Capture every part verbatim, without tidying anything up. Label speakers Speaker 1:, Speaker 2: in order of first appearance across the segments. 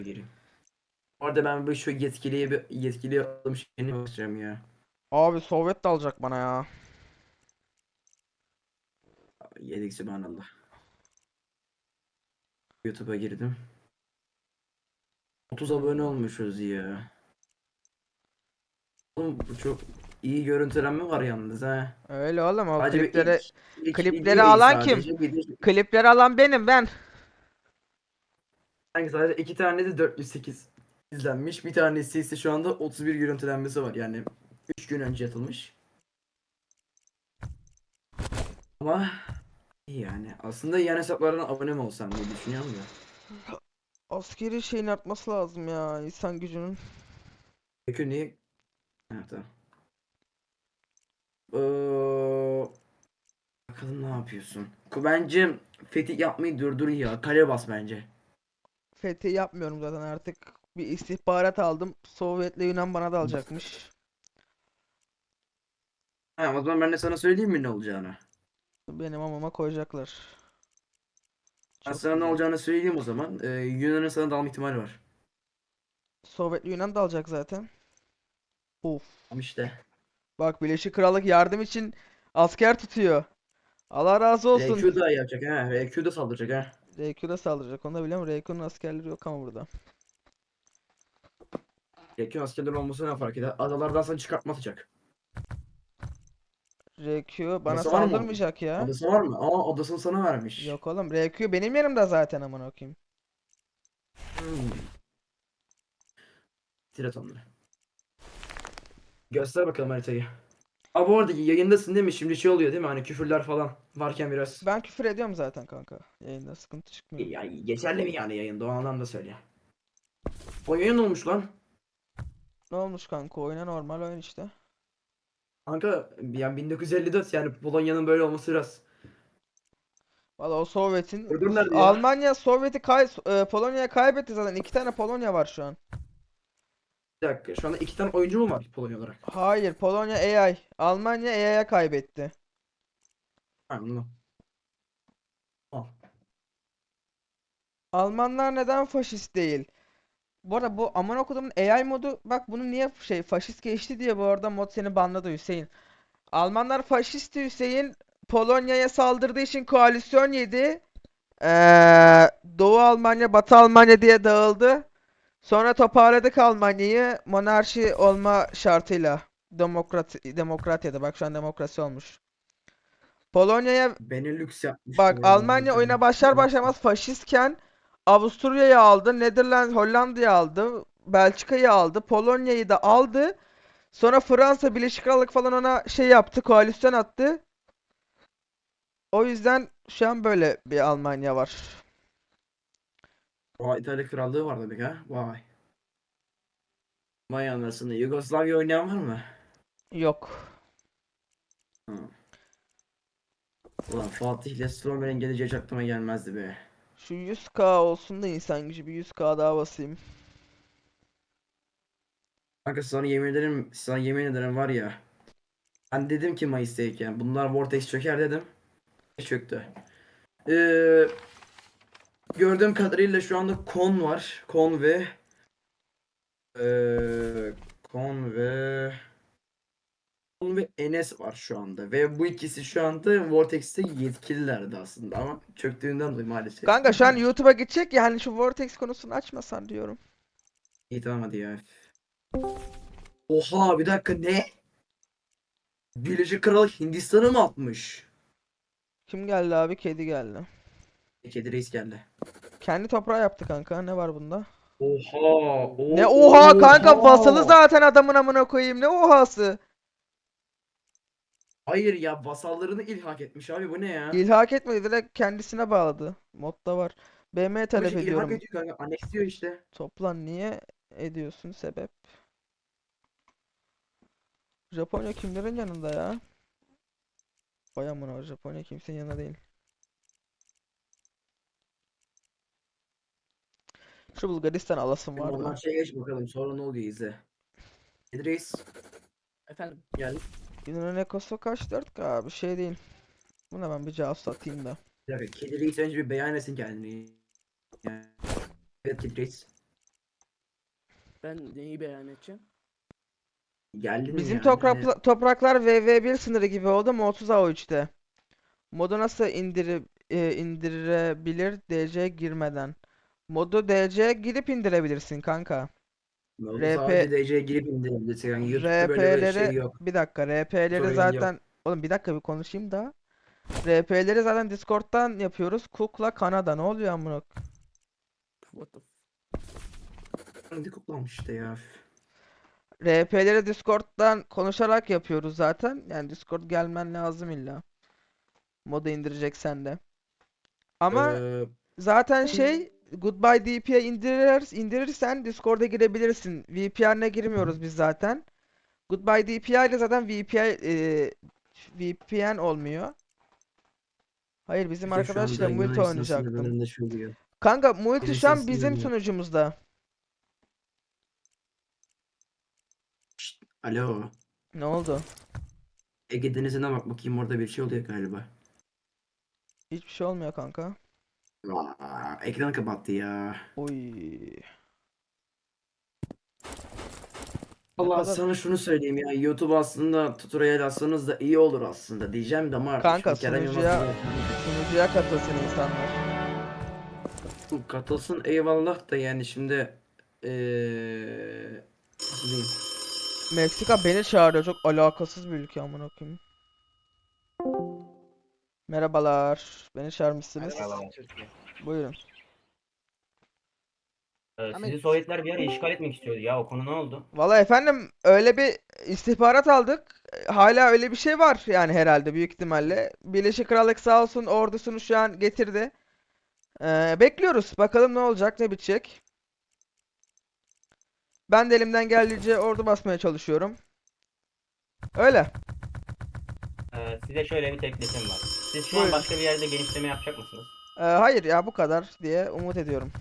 Speaker 1: gireyim. Orada ben bir şu yetkiliye bir yetkiliye alım şeyini bakacağım ya.
Speaker 2: Abi Sovyet de alacak bana ya.
Speaker 1: Yedik subhanallah. YouTube'a girdim. otuz abone
Speaker 2: Allah.
Speaker 1: olmuşuz ya. Oğlum bu çok iyi görüntülenme var yalnız ha.
Speaker 2: Öyle oğlum, o
Speaker 1: Sadece bir ilk
Speaker 2: klipleri
Speaker 1: ilk
Speaker 2: klipleri
Speaker 1: video iyi
Speaker 2: alan kim?
Speaker 1: sadece. Bir de
Speaker 2: Klipleri alan benim ben.
Speaker 1: sanki sadece iki tane de dört yüz sekiz izlenmiş. Bir tanesi ise şu anda otuz bir görüntülenmesi var. Yani üç gün önce atılmış. Ama iyi yani. Aslında yan hesaplardan abone mi olsam diye düşünüyorum da.
Speaker 2: Askeri şeyin artması lazım ya, insan gücünün.
Speaker 1: Peki niye? Ha, tamam. Ee, bakalım ne yapıyorsun? Bence fetih yapmayı durdur ya. Kale bas bence.
Speaker 2: Fethi yapmıyorum zaten artık. Bir istihbarat aldım. Sovyet'le Yunan bana da alacakmış.
Speaker 1: Ha, o zaman ben de sana söyleyeyim mi ne olacağını?
Speaker 2: Benim amama koyacaklar.
Speaker 1: Ben
Speaker 2: Çok
Speaker 1: sana ne
Speaker 2: güzel.
Speaker 1: olacağını söyleyeyim o zaman. Ee, Yunan'ın sana dalma ihtimali var.
Speaker 2: Sovyet'le Yunan da alacak zaten. Of.
Speaker 1: Ama işte.
Speaker 2: Bak, Birleşik Krallık yardım için asker tutuyor. Allah razı olsun.
Speaker 1: R Q da yapacak ha. R Q da saldıracak ha.
Speaker 2: R Q'da saldıracak. Onu da biliyorum. R Q'nun askerleri yok ama burada.
Speaker 1: R Q askerler olması ne fark eder? Adalardan sana çıkartma atacak.
Speaker 2: R Q bana
Speaker 1: Adası var mı onun?
Speaker 2: saldırmayacak ya.
Speaker 1: Adası var mı? Aa, adasını sana vermiş.
Speaker 2: Yok oğlum, R Q benim yanımda zaten, amına koyayım.
Speaker 1: Hmm. Tirat onları. Göster bakalım haritayı. Aa, bu arada yayındasın değil mi? Şimdi şey oluyor değil mi? Hani küfürler falan varken biraz.
Speaker 2: Ben küfür ediyorum zaten kanka. Yayında sıkıntı çıkmıyor.
Speaker 1: Ya, geçerli mi yani yayında? O anlamda söyle. O yayın olmuş lan.
Speaker 2: Ne olmuş kanka, oyuna normal oyun işte.
Speaker 1: Kanka yani bin dokuz yüz elli dört yani Polonya'nın böyle olması biraz.
Speaker 2: Valla o Sovyet'in
Speaker 1: Ördüm nerede ya?
Speaker 2: Almanya Sovyet'i kay e, Polonya'ya kaybetti zaten. İki tane Polonya var şu an.
Speaker 1: Bir dakika şu anda iki tane oyuncu mu var Polonya olarak?
Speaker 2: Hayır, Polonya A I. Almanya A I'ya kaybetti.
Speaker 1: Ha, anladım. Al.
Speaker 2: Almanlar neden faşist değil? Bu arada bu aman okuduğumun A I modu, bak bunu niye şey faşist geçti diye bu arada mod seni banladı Hüseyin. Almanlar faşisti Hüseyin. Polonya'ya saldırdığı için koalisyon yedi. Ee, Doğu Almanya, Batı Almanya diye dağıldı. Sonra toparladık Almanya'yı monarşi olma şartıyla. Demokrat demokratyada, bak şu an demokrasi olmuş. Polonya'ya
Speaker 1: Benelux yapmış
Speaker 2: bak,
Speaker 1: bu arada
Speaker 2: Almanya
Speaker 1: haritada.
Speaker 2: oyuna başlar başlamaz faşistken Avusturya'yı aldı, Netherlands Hollanda'yı aldı, Belçika'yı aldı, Polonya'yı da aldı. Sonra Fransa, Birleşik Krallık falan ona şey yaptı, koalisyon attı. O yüzden şu an böyle bir Almanya var.
Speaker 1: Vay, İtalya Krallığı var demek ha. Vay. Vay anasını. Yugoslavya oynayan var mı?
Speaker 2: Yok.
Speaker 1: Ha. Ulan Fatih ile Stromer'in geleceği hiç aklıma gelmezdi be.
Speaker 2: Şu yüz K olsun da insan gücü, bir yüz K daha basayım.
Speaker 1: Kanka sana yemin ederim, sana yemin ederim var ya. Ben dedim ki Mayıs'tayken bunlar Vortex çöker dedim. Çöktü. Ee, gördüğüm kadarıyla şu anda Kon var. Kon ve ee, Kon ve Kon ve Enes var şu anda. Ve bu ikisi şu anda Vortex'te yetkililerdi aslında ama çöktüğünden dolayı maalesef.
Speaker 2: Kanka şu an YouTube'a gidecek ya, hani şu Vortex konusunu açmasan diyorum.
Speaker 1: İyi tamam hadi ya. Oha bir dakika ne? Birleşik Krallık Hindistan'ı mı atmış?
Speaker 2: Kim geldi abi? Kedi geldi.
Speaker 1: Kedi reis geldi.
Speaker 2: Kendi toprağı yaptı kanka. Ne var bunda?
Speaker 1: Oha!
Speaker 2: Ne
Speaker 1: O
Speaker 2: oha kanka, vasalı
Speaker 1: oha!
Speaker 2: zaten adamın, amına koyayım. Ne ohası?
Speaker 1: Hayır ya vasallarını ilhak etmiş abi bu ne ya?
Speaker 2: İlhak etmedi, direkt kendisine bağladı. Modda var. B M
Speaker 1: Abi
Speaker 2: talep
Speaker 1: şey ilhak
Speaker 2: ediyorum.
Speaker 1: ediyor kanka. Aneksliyor işte.
Speaker 2: Toplan, niye ediyorsun, sebep? Japonya kimlerin yanında ya? Vay amına, Japonya kimsenin yanında değil. Şu Bulgaristan alasım var da.
Speaker 1: Ondan şey geç bakalım sonra ne oluyor izle. Kedi reis. Efendim geldim.
Speaker 2: Yunan ekosu kaç? dört K bir şey değil. Buna ben bir cevap satayım da.
Speaker 1: Bir dakika kedi reis önce bir beyan etsin kendini. Yani, evet kedi reis.
Speaker 3: Ben neyi beyan edeceğim?
Speaker 1: Geldin
Speaker 2: Bizim
Speaker 1: yani.
Speaker 2: toprak, topraklar V V bir sınırı gibi oldu mu otuz A üçte. Modu nasıl indirip e, indirebilir D C girmeden? Modu D C girip indirebilirsin kanka.
Speaker 1: Oldu
Speaker 2: RP
Speaker 1: sadece D C'ye girip indirebilirsin. Yani YouTube'da böyle bir
Speaker 2: RP'leri
Speaker 1: şey yok.
Speaker 2: bir dakika RP'leri
Speaker 1: Sorun yok.
Speaker 2: zaten oğlum bir dakika bir konuşayım da. R P'leri zaten Discord'dan yapıyoruz. Cook'la Kanada ne oluyor amına?
Speaker 3: What the f-
Speaker 1: Hadi kutlamış işte ya.
Speaker 2: R P'leri Discord'dan konuşarak yapıyoruz zaten. Yani Discord gelmen lazım illa. Modu indireceksen de. Ama
Speaker 1: Ee,
Speaker 2: zaten şey Goodbye D P'ye indirir, indirirsen Discord'a girebilirsin. V P N'e girmiyoruz biz zaten. Goodbye D P I ile zaten V P I e, V P N olmuyor. Hayır bizim
Speaker 1: Türkiye şu
Speaker 2: arkadaşla
Speaker 1: anda
Speaker 2: multi
Speaker 1: Yunanistan
Speaker 2: oynayacaktım.
Speaker 1: sınırlarında şöyle.
Speaker 2: Kanka multi şu
Speaker 1: Yunanistan
Speaker 2: an bizim
Speaker 1: sınırında.
Speaker 2: sunucumuzda.
Speaker 1: Şşt, alo.
Speaker 2: Ne oldu?
Speaker 1: Ege Denizi'ne bak bakayım, orada bir şey oluyor galiba.
Speaker 2: Hiçbir şey olmuyor kanka.
Speaker 1: Aa, ekranı kapattı ya.
Speaker 2: Oy. Ne
Speaker 1: Allah
Speaker 2: kadar
Speaker 1: sana şunu söyleyeyim ya. YouTube aslında tutorial alsanız da iyi olur aslında diyeceğim de ama artık
Speaker 2: kanka
Speaker 1: şimdi Kerem Yılmaz
Speaker 2: sunucuya
Speaker 1: gibi
Speaker 2: sunucuya katılsın insanlar.
Speaker 1: katılsın eyvallah da yani şimdi eee nasıl diyeyim?
Speaker 2: Meksika beni çağırıyor. Çok alakasız bir ülke amına koyayım. Merhabalar. Beni çağırmışsınız.
Speaker 4: Merhabalar Türkiye.
Speaker 2: Buyurun.
Speaker 4: Ee,
Speaker 3: Ahmet.
Speaker 4: sizi Sovyetler bir ara işgal etmek istiyordu ya. O konu ne oldu?
Speaker 2: Valla efendim öyle bir istihbarat aldık. Hala öyle bir şey var yani herhalde büyük ihtimalle. Birleşik Krallık sağ olsun ordusunu şu an getirdi. Ee, bekliyoruz. Bakalım ne olacak, ne bitecek. Ben de elimden geldiğince ordu basmaya çalışıyorum. Öyle.
Speaker 4: Ee, size şöyle bir teklifim var. Siz şu
Speaker 2: Buyurun.
Speaker 4: an başka bir yerde genişleme yapacak mısınız?
Speaker 2: Ee, hayır ya bu kadar diye umut ediyorum.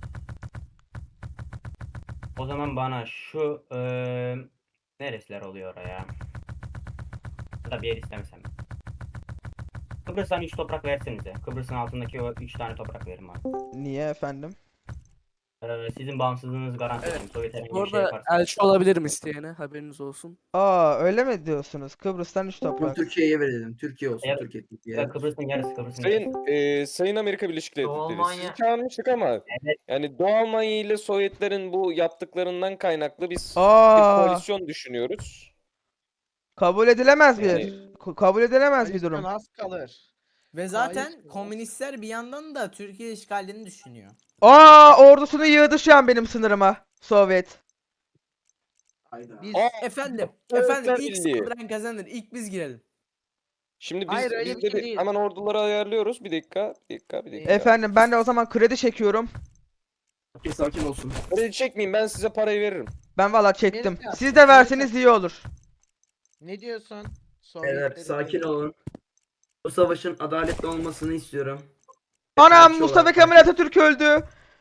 Speaker 4: O zaman bana şu eee neresiler oluyor oraya? Ya da bir yer istemesem. Kıbrıs'tan üç toprak versenize. Kıbrıs'ın altındaki o üç tane toprak verin bana.
Speaker 2: Niye efendim?
Speaker 4: Ee, sizin bağımsızlığınızı garanti
Speaker 3: Evet.
Speaker 4: edeyim. Sovyet herhangi
Speaker 3: Bu
Speaker 4: bir şey
Speaker 3: arada
Speaker 4: yaparsa.
Speaker 3: elçi olabilirim isteyene, haberiniz olsun.
Speaker 2: Aa öyle mi diyorsunuz? Kıbrıs'tan üç
Speaker 1: Bunu
Speaker 2: toprak.
Speaker 1: Türkiye'ye verelim. Türkiye olsun.
Speaker 4: Ya,
Speaker 1: Türkiye. Türkiye.
Speaker 4: ya Kıbrıs'ın yarısı, Kıbrıs'ın yarısı.
Speaker 5: Sayın e, Sayın Amerika Birleşik
Speaker 6: Doğu
Speaker 5: Devletleri,
Speaker 6: Almanya-
Speaker 5: sizi çağırmıştık ama
Speaker 4: Evet.
Speaker 5: yani Doğu Almanya ile Sovyetlerin bu yaptıklarından kaynaklı biz bir
Speaker 2: Aa
Speaker 5: koalisyon düşünüyoruz.
Speaker 2: kabul edilemez bir.
Speaker 5: Yani-
Speaker 2: Ko- kabul edilemez bir durum.
Speaker 6: Az kalır.
Speaker 7: Ve zaten
Speaker 6: Hayır.
Speaker 7: komünistler bir yandan da Türkiye işgalini düşünüyor.
Speaker 2: Aa ordusunu yığdı şu an benim sınırıma. Sovyet.
Speaker 1: Hayda.
Speaker 6: Biz
Speaker 5: Aa,
Speaker 7: Efendim,
Speaker 5: Sovyetler
Speaker 7: efendim ilk
Speaker 5: Birliği.
Speaker 7: saldıran kazanır. İlk biz girelim.
Speaker 5: Şimdi biz,
Speaker 6: Hayır, öyle
Speaker 5: biz
Speaker 6: bir
Speaker 5: de
Speaker 6: şey
Speaker 5: bir-
Speaker 6: değil.
Speaker 5: hemen orduları ayarlıyoruz. Bir dakika, bir dakika, bir dakika.
Speaker 2: Efendim ben de o zaman kredi çekiyorum.
Speaker 1: Sakin, sakin olsun.
Speaker 5: Kredi çekmeyin, ben size parayı veririm.
Speaker 2: Ben valla çektim.
Speaker 6: Amerika,
Speaker 2: Siz de verseniz
Speaker 6: Amerika.
Speaker 2: iyi olur.
Speaker 6: ne diyorsun?
Speaker 1: Beyler
Speaker 6: Sovyetleri
Speaker 1: sakin
Speaker 6: değil.
Speaker 1: olun. Bu savaşın adaletli olmasını istiyorum.
Speaker 2: Anam
Speaker 1: Elçi
Speaker 2: Mustafa
Speaker 1: olarak-
Speaker 2: Kemal Atatürk öldü.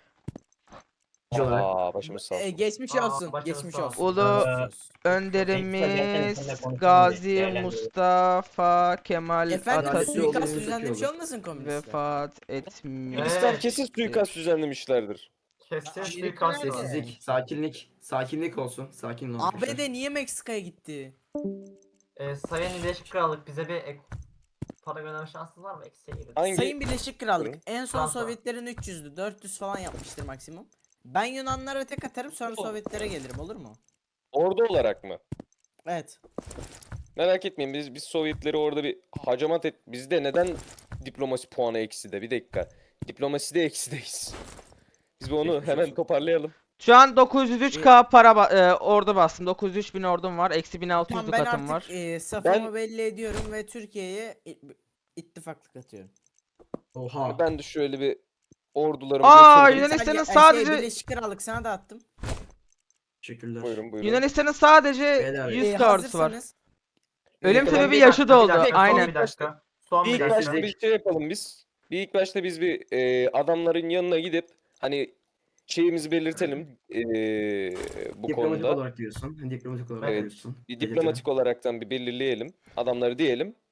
Speaker 1: Elçi olarak.
Speaker 5: Aa, başımız sağ
Speaker 7: Ee,
Speaker 5: olsun.
Speaker 7: geçmiş
Speaker 6: Aa,
Speaker 7: olsun,
Speaker 6: başınız
Speaker 7: geçmiş
Speaker 6: sağ
Speaker 7: olsun.
Speaker 2: Ulu
Speaker 7: Geçmiş olsun.
Speaker 2: önderimiz
Speaker 4: konuşalım,
Speaker 2: Gazi
Speaker 4: değerlendirelim.
Speaker 2: Mustafa Kemal
Speaker 7: Efendim
Speaker 1: Adaletli
Speaker 2: Atatürk
Speaker 1: olması
Speaker 7: suikast
Speaker 1: çok iyi
Speaker 7: düzenlemiş
Speaker 1: olur.
Speaker 7: olmasın komünistler?
Speaker 2: vefat etmiş.
Speaker 5: Komünistler
Speaker 6: Evet.
Speaker 5: kesin suikast düzenlemişlerdir.
Speaker 6: Kesin
Speaker 7: Aa,
Speaker 6: suikast
Speaker 7: nerede?
Speaker 6: var.
Speaker 1: Sessizlik, sakinlik. Sakinlik olsun. Sakin olun.
Speaker 7: A
Speaker 1: arkadaşlar.
Speaker 7: B D niye Meksika'ya gitti?
Speaker 6: Ee, Sayın Birleşik Krallık bize bir ek para gönderme şansınız var mı? Eksiye girin.
Speaker 5: Hangi?
Speaker 7: Sayın Birleşik Krallık
Speaker 5: Buyurun.
Speaker 7: en son
Speaker 6: Fransa.
Speaker 7: Sovyetlerin üç yüzdü, dört yüz falan yapmıştır maksimum. Ben Yunanlara tek atarım sonra
Speaker 5: Olur.
Speaker 7: Sovyetlere gelirim olur mu?
Speaker 5: Ordu olarak mı?
Speaker 7: Evet.
Speaker 5: Merak etmeyin, biz biz Sovyetleri orada bir hacamat et. Bizde neden diplomasi puanı eksi de? Bir dakika. Diplomasi de eksideyiz. Biz bir onu
Speaker 1: Geçmiş
Speaker 5: hemen
Speaker 1: olsun.
Speaker 5: toparlayalım.
Speaker 2: Şu an dokuz yüz üç K para ba- e, ordu bastım. dokuz yüz üç bin ordum var. Eksi bin altı
Speaker 7: Tamam
Speaker 2: yüz
Speaker 7: ben
Speaker 2: katım
Speaker 7: artık
Speaker 2: var.
Speaker 7: e, safımı
Speaker 5: Ben-
Speaker 7: belli ediyorum ve Türkiye'ye i- ittifaklık atıyorum.
Speaker 1: Oha.
Speaker 5: Ben de şöyle bir ordularımı
Speaker 2: Aa,
Speaker 5: götürdüm.
Speaker 2: Yunanistan'ın
Speaker 7: Sadece-
Speaker 2: sadece-
Speaker 7: şey, Birleşik Krallık sana da attım.
Speaker 1: Teşekkürler.
Speaker 5: Buyurun buyurun.
Speaker 2: Yunanistan'ın sadece
Speaker 1: Beyler,
Speaker 2: yüz
Speaker 7: E,
Speaker 2: K ordusu var.
Speaker 7: hazırsanız
Speaker 2: Ölüm
Speaker 5: Bir
Speaker 2: sebebi
Speaker 5: dakika,
Speaker 2: yaşı doldu.
Speaker 6: Bir dakika,
Speaker 2: Aynen.
Speaker 6: Son bir dakika. Son
Speaker 5: Bir
Speaker 6: bir
Speaker 5: ilk
Speaker 6: dakika.
Speaker 5: başta bir şey yapalım biz. Bir ilk başta biz bir e, adamların yanına gidip hani şeyimizi belirtelim e, bu
Speaker 1: Diplomatik
Speaker 5: konuda.
Speaker 1: olarak diyorsun. Diplomatik olarak
Speaker 5: Evet.
Speaker 1: diyorsun.
Speaker 5: Bir diplomatik olaraktan bir belirleyelim. Adamları diyelim.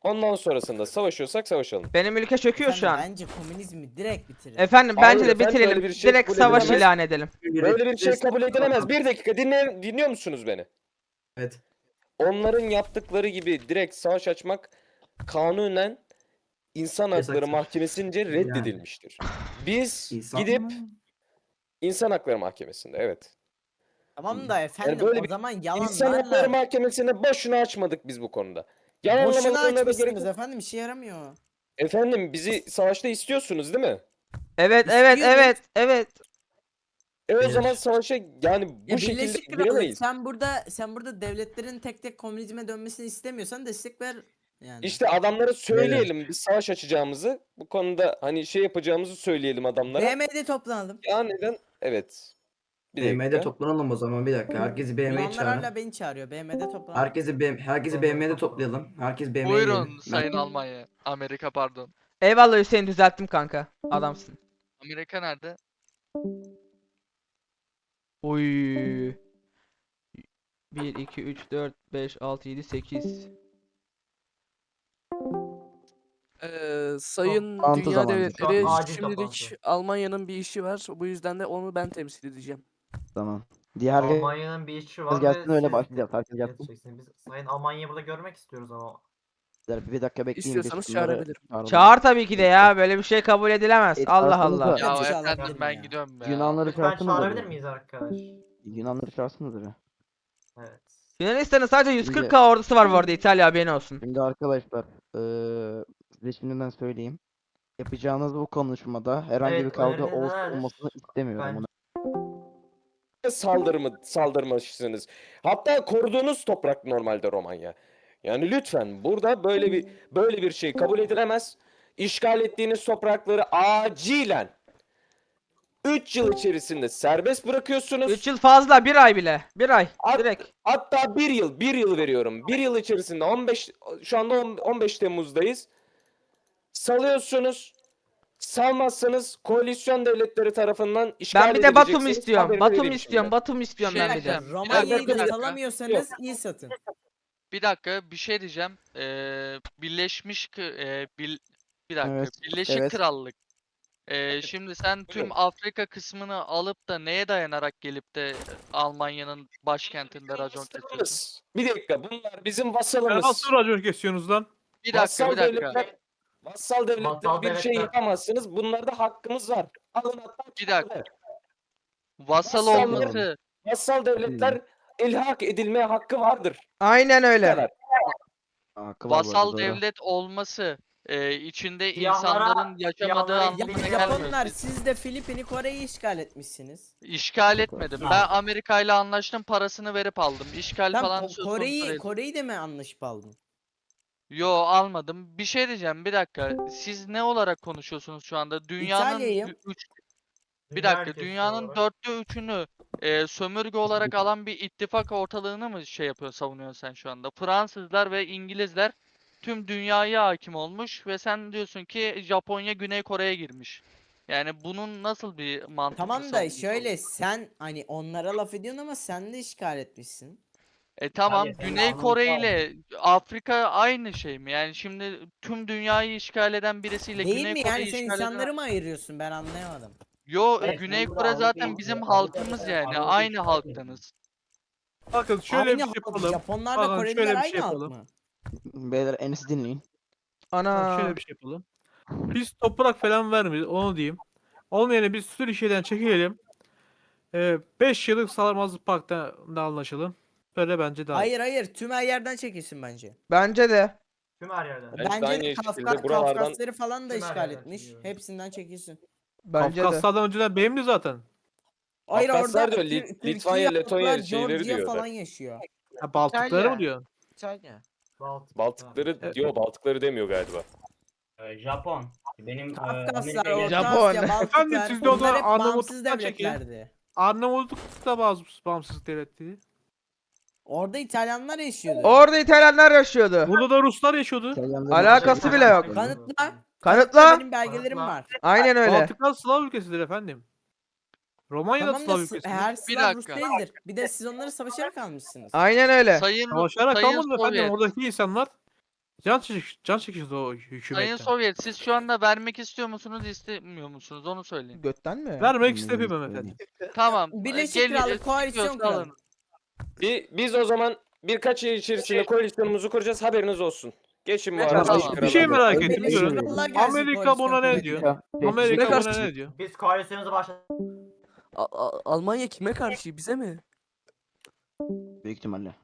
Speaker 5: Ondan sonrasında savaşıyorsak savaşalım.
Speaker 2: Benim ülke çöküyor şu
Speaker 7: Efendim,
Speaker 2: an.
Speaker 7: bence komünizmi direkt bitirin.
Speaker 2: Efendim
Speaker 5: Hayır
Speaker 2: bence de
Speaker 5: efendim,
Speaker 2: bitirelim.
Speaker 5: böyle bir şey
Speaker 2: Direkt
Speaker 5: kabul
Speaker 2: savaş
Speaker 5: edilemez.
Speaker 2: ilan edelim.
Speaker 5: Böyle bir şey kabul edilemez. Bir dakika dinle, dinliyor musunuz beni?
Speaker 1: Evet.
Speaker 5: Onların yaptıkları gibi direkt savaş açmak kanunen İnsan Hakları
Speaker 1: Yasaktır.
Speaker 5: Mahkemesince reddedilmiştir. Biz
Speaker 1: İnsan
Speaker 5: gidip
Speaker 1: mı?
Speaker 5: İnsan Hakları Mahkemesi'nde evet.
Speaker 7: Tamam da efendim
Speaker 5: böyle
Speaker 7: o
Speaker 5: bir
Speaker 7: zaman
Speaker 5: İnsan Hakları
Speaker 7: yalanlarla
Speaker 5: Mahkemesi'ne boşuna açmadık biz bu konuda.
Speaker 7: boşuna
Speaker 5: Yalanlamalarına da gerek
Speaker 7: açmışsınız
Speaker 5: yok.
Speaker 7: efendim, işe yaramıyor.
Speaker 5: Efendim bizi savaşta istiyorsunuz değil mi?
Speaker 2: Evet evet
Speaker 7: İstiyoruz.
Speaker 2: evet evet.
Speaker 5: E o
Speaker 1: Evet.
Speaker 5: zaman savaşa yani bu
Speaker 7: Ya
Speaker 5: şekilde
Speaker 7: Birleşik Krallık,
Speaker 5: giremeyiz.
Speaker 7: sen burada sen burada devletlerin tek tek komünizme dönmesini istemiyorsan destek ver yani.
Speaker 5: İşte adamlara söyleyelim biz savaş açacağımızı. Bu konuda hani şey yapacağımızı söyleyelim adamlara.
Speaker 7: B M D'de toplanalım.
Speaker 5: Ya neden? Evet. Bir
Speaker 1: B M'de
Speaker 5: dakika.
Speaker 1: toplanalım o zaman bir dakika. Herkesi B M'ye
Speaker 7: Yunanlar
Speaker 1: çağırın.
Speaker 7: hala beni çağırıyor. B M D'de toplanalım.
Speaker 1: Herkesi B herkesi B M'de toplayalım. Herkes B M'ye
Speaker 8: Buyurun
Speaker 1: gelin.
Speaker 8: Sayın Almanya. Amerika pardon.
Speaker 2: Eyvallah Hüseyin, düzelttim kanka. Adamsın.
Speaker 8: Amerika nerede?
Speaker 2: Oy. bir, iki, üç, dört, beş, altı, yedi, sekiz.
Speaker 3: Ee, sayın
Speaker 9: Toplantı
Speaker 3: Dünya
Speaker 9: zamanı.
Speaker 3: Devletleri
Speaker 6: Şu an acil
Speaker 3: şimdilik
Speaker 6: toplantı.
Speaker 3: Almanya'nın bir işi var. Bu yüzden de onu ben temsil edeceğim.
Speaker 9: Tamam. Diğer
Speaker 6: Almanya'nın bir işi var
Speaker 9: gelsin,
Speaker 6: ve
Speaker 9: öyle
Speaker 6: siz
Speaker 9: başlayacağız. Herkes gelsin.
Speaker 6: yetişeceksiniz. Biz Sayın Almanya'yı burada görmek istiyoruz ama.
Speaker 9: gençler bir dakika bekleyin.
Speaker 3: İstiyorsanız
Speaker 9: biz bunları
Speaker 3: çağırabilirim.
Speaker 9: çağıralım.
Speaker 2: Çağır tabii ki de ya. Böyle bir şey kabul edilemez.
Speaker 9: Evet,
Speaker 2: Allah
Speaker 9: çağırsanız
Speaker 2: Allah.
Speaker 9: da-
Speaker 8: Ya
Speaker 7: Hadi
Speaker 8: efendim
Speaker 7: çağırabilirim
Speaker 8: ben
Speaker 7: ya.
Speaker 8: gidiyorum ya.
Speaker 9: Yunanları
Speaker 6: Lütfen
Speaker 9: çağırsınız da
Speaker 6: çağırabilir
Speaker 9: bir.
Speaker 6: miyiz arkadaş?
Speaker 9: Yunanları çağırsınız da bir.
Speaker 6: Evet.
Speaker 2: Yunanistan'ın sadece yüz kırk bin ordusu var bu arada, İtalya haberin olsun.
Speaker 9: Şimdi arkadaşlar eee size şimdiden söyleyeyim. Yapacağınız bu konuşmada herhangi
Speaker 6: Evet,
Speaker 9: bir kavga
Speaker 6: öneriniz
Speaker 9: olsun
Speaker 6: nelerdir?
Speaker 9: olmasını istemiyorum.
Speaker 6: Ben-
Speaker 9: Bunu.
Speaker 5: Saldırımı saldırmışsınız. Hatta koruduğunuz toprak normalde Romanya. Yani lütfen burada böyle bir böyle bir şey kabul edilemez. İşgal ettiğiniz toprakları acilen üç yıl içerisinde serbest bırakıyorsunuz.
Speaker 2: üç yıl fazla, bir ay bile. Bir ay.
Speaker 5: At-
Speaker 2: Direkt.
Speaker 5: Hatta bir yıl, bir yıl veriyorum. Bir yıl içerisinde on beş şu anda on- 15 Temmuz'dayız. Salıyorsunuz. Salmazsanız koalisyon devletleri tarafından işgal
Speaker 2: Ben bir de Batum
Speaker 5: edileceksiniz.
Speaker 2: istiyorum.
Speaker 5: Haberini
Speaker 2: Batum
Speaker 5: vereyim
Speaker 2: istiyorum.
Speaker 5: şimdiden.
Speaker 2: Batum istiyorum
Speaker 8: Şey
Speaker 2: ben bir de.
Speaker 8: diyeceğim.
Speaker 7: Romanya'yı
Speaker 8: Bir
Speaker 7: da
Speaker 8: dakika.
Speaker 7: salamıyorsanız iyi satın.
Speaker 8: Bir dakika bir şey diyeceğim. Ee, Birleşmiş Kı- e, Bil- bir dakika.
Speaker 9: Evet,
Speaker 8: Birleşik
Speaker 9: evet.
Speaker 8: Krallık. Ee, şimdi sen tüm
Speaker 5: Buyurun.
Speaker 8: Afrika kısmını alıp da neye dayanarak gelip de Almanya'nın başkentinde racon kesiyorsun?
Speaker 5: Vassalımız. Bir dakika bunlar bizim
Speaker 10: Ya
Speaker 5: vassalımız.
Speaker 10: nasıl racon kesiyorsunuz lan?
Speaker 8: Bir dakika
Speaker 5: Vassal
Speaker 8: bir dakika.
Speaker 5: devletler, vassal devletler
Speaker 6: Vassal
Speaker 5: bir şey
Speaker 6: devletler.
Speaker 5: yapamazsınız. Bunlarda hakkımız var. Alın hatta
Speaker 8: Bir dakika.
Speaker 5: çağırın.
Speaker 8: Vasal
Speaker 5: Vassal
Speaker 8: olması
Speaker 5: Vassal devletler ilhak edilmeye hakkı vardır.
Speaker 2: Aynen
Speaker 5: Bu
Speaker 2: öyle.
Speaker 5: kadar.
Speaker 9: Hakkı var bu arada,
Speaker 8: vasal
Speaker 9: doğru.
Speaker 8: devlet olması e, içinde
Speaker 6: Siyahlara-
Speaker 8: insanların yaşamadığı
Speaker 6: siyahlara
Speaker 8: anlamına
Speaker 6: İngiliz
Speaker 8: gelmiyor.
Speaker 7: Japonlar, siz de Filipin'i, Kore'yi işgal etmişsiniz.
Speaker 8: İşgal etmedim.
Speaker 6: Ya.
Speaker 8: Ben Amerika ile anlaştım, parasını verip aldım. İşgal
Speaker 7: Lan
Speaker 8: falan
Speaker 7: Ko-
Speaker 8: söz konusu
Speaker 7: Kore'yi
Speaker 8: değil.
Speaker 7: Kore'yi de mi anlaşıp aldın?
Speaker 8: Yo almadım. Bir şey diyeceğim bir dakika. Siz ne olarak konuşuyorsunuz şu anda? Dünyanın
Speaker 7: İtalya'yı.
Speaker 8: ü- üç, bir
Speaker 6: Dünya
Speaker 8: dakika
Speaker 6: ülkesi
Speaker 8: dünyanın
Speaker 6: olarak.
Speaker 8: dörtte üçünü e, sömürge olarak alan bir ittifak ortalığını mı şey yapıyor savunuyorsun sen şu anda? Fransızlar ve İngilizler tüm dünyaya hakim olmuş ve sen diyorsun ki Japonya Güney Kore'ye girmiş. Yani bunun nasıl bir mantıklı
Speaker 7: Tamam da
Speaker 8: savunucusu
Speaker 7: şöyle
Speaker 8: olur?
Speaker 7: sen hani onlara laf ediyorsun ama sen de işgal etmişsin.
Speaker 8: E tamam
Speaker 4: Hayır, senin
Speaker 8: Güney
Speaker 4: anlamı
Speaker 8: Kore
Speaker 4: var.
Speaker 8: ile Afrika aynı şey mi? Yani şimdi tüm dünyayı işgal eden birisiyle
Speaker 7: Değil
Speaker 8: Güney
Speaker 7: mi?
Speaker 8: Kore'yi
Speaker 7: Yani sen
Speaker 8: işgal eden...
Speaker 7: insanları mı ayırıyorsun? Ben anlayamadım.
Speaker 8: Yo
Speaker 4: Evet,
Speaker 8: Güney
Speaker 4: ben burada
Speaker 8: Kore zaten
Speaker 4: Avrupa'yı-
Speaker 8: bizim
Speaker 4: Avrupa'yı-
Speaker 8: halkımız yani.
Speaker 4: Avrupa'yı
Speaker 8: Aynı
Speaker 4: işgal
Speaker 8: halktanız.
Speaker 10: Bakın şöyle
Speaker 7: Aynı
Speaker 10: bir şey
Speaker 7: halk,
Speaker 10: yapalım.
Speaker 7: Japonlarla
Speaker 10: Bakın
Speaker 7: Koreliler
Speaker 10: şöyle bir
Speaker 7: aynı
Speaker 10: şey
Speaker 7: halk
Speaker 10: yapalım.
Speaker 7: mı?
Speaker 9: Beyler Enes'i dinleyin.
Speaker 10: Bak
Speaker 2: Ana.
Speaker 10: şöyle bir şey yapalım. Biz toprak falan vermeyiz onu diyeyim. Onun yerine biz Türkiye'den çekilelim. beş yıllık Salamazlık Paktı'nda anlaşalım. Böyle bence daha iyi.
Speaker 7: Hayır hayır, tüm her yerden çekilsin bence.
Speaker 2: Bence de.
Speaker 6: Tüm her yerden.
Speaker 5: Bence de
Speaker 7: Bence
Speaker 5: aynı
Speaker 7: de
Speaker 5: şekilde
Speaker 7: Kafka,
Speaker 5: buralardan-
Speaker 7: Kafkasları falan da
Speaker 6: Tüm her
Speaker 7: işgal
Speaker 6: yerden
Speaker 7: etmiş.
Speaker 6: çekiyor.
Speaker 7: Hepsinden çekilsin.
Speaker 2: Bence de.
Speaker 10: Kafkaslardan önceden benimdi zaten.
Speaker 7: Hayır
Speaker 5: Kafkaslar
Speaker 7: orada
Speaker 5: diyor,
Speaker 7: Tür-
Speaker 5: Lit-
Speaker 7: Türkiye,
Speaker 5: Litvanya, Letonya
Speaker 7: halklar,
Speaker 5: şeyleri
Speaker 7: Georgia
Speaker 5: diyor da.
Speaker 7: falan yaşıyor.
Speaker 10: Ha, Baltıkları
Speaker 7: İtalya.
Speaker 10: mı diyorsun?
Speaker 7: İtalya.
Speaker 6: Baltık.
Speaker 5: Baltıkları
Speaker 10: Evet.
Speaker 5: diyor, Baltıkları demiyor galiba.
Speaker 4: Ee, Japon. Benim e,
Speaker 7: Kafkaslar,
Speaker 4: Amerika ile-
Speaker 7: Orta
Speaker 2: Japon.
Speaker 7: Asya,
Speaker 10: Efendim,
Speaker 7: Baltıklar
Speaker 10: siz de o
Speaker 7: bunlar
Speaker 10: zaman
Speaker 7: hep bağımsız
Speaker 10: Arnavutluk'tan çekin.
Speaker 7: devletlerdi.
Speaker 10: Arnavutluk da bazı bağımsız devletti.
Speaker 7: Orada İtalyanlar yaşıyordu.
Speaker 2: Orada İtalyanlar yaşıyordu.
Speaker 10: Burada da Ruslar yaşıyordu.
Speaker 9: İtalyanların-
Speaker 2: Alakası bile yok.
Speaker 7: Kanıtla.
Speaker 2: Kanıtla.
Speaker 7: Benim belgelerim
Speaker 6: Kanıtla.
Speaker 7: var.
Speaker 2: Aynen öyle.
Speaker 10: Baltıklar Slav ülkesidir efendim. Romanya da
Speaker 7: Tamam
Speaker 10: Slav
Speaker 7: da s-
Speaker 10: ülkesidir.
Speaker 7: her
Speaker 8: Bir
Speaker 7: Slav Rus
Speaker 8: dakika.
Speaker 7: değildir. Bir de siz onları savaşarak almışsınız.
Speaker 2: Aynen öyle.
Speaker 8: Sayın,
Speaker 10: Savaşarak
Speaker 8: sayın
Speaker 10: kalmadı efendim.
Speaker 8: Sovyet.
Speaker 10: Oradaki insanlar Can çekiş, can çekişiyoruz o
Speaker 8: Sayın
Speaker 10: hükümetten.
Speaker 8: Sovyet, siz şu anda vermek istiyor musunuz, istemiyor musunuz? Onu söyleyin.
Speaker 2: Götten mi?
Speaker 10: Vermek
Speaker 9: Şimdi
Speaker 10: istemiyorum
Speaker 9: söyleyeyim.
Speaker 10: efendim.
Speaker 8: Tamam. e,
Speaker 7: Birleşik
Speaker 8: gel-
Speaker 7: Krallık
Speaker 8: e,
Speaker 7: koalisyon
Speaker 8: çıkıyorsa
Speaker 7: kuralım.
Speaker 8: alın.
Speaker 5: Bi- biz o zaman birkaç yıl içerisinde koalisyonumuzu kuracağız, haberiniz olsun. Geçin bu
Speaker 3: Ne
Speaker 5: arada.
Speaker 3: kadar-
Speaker 5: Birleşik
Speaker 10: Bir şey
Speaker 5: Krallığa.
Speaker 10: merak
Speaker 9: Öyle
Speaker 10: ettim.
Speaker 7: Birleşik
Speaker 10: Diyorum.
Speaker 7: Krallığa gelsin
Speaker 10: Amerika
Speaker 7: koalisyon
Speaker 10: buna ne
Speaker 7: kuvvetleri.
Speaker 10: diyor?
Speaker 9: Amerika,
Speaker 10: Amerika
Speaker 3: karşı?
Speaker 10: buna ne diyor?
Speaker 6: Biz koalisyonumuzu başladık.
Speaker 3: A- A- Almanya kime karşı? Bize mi?
Speaker 9: büyük ihtimalle.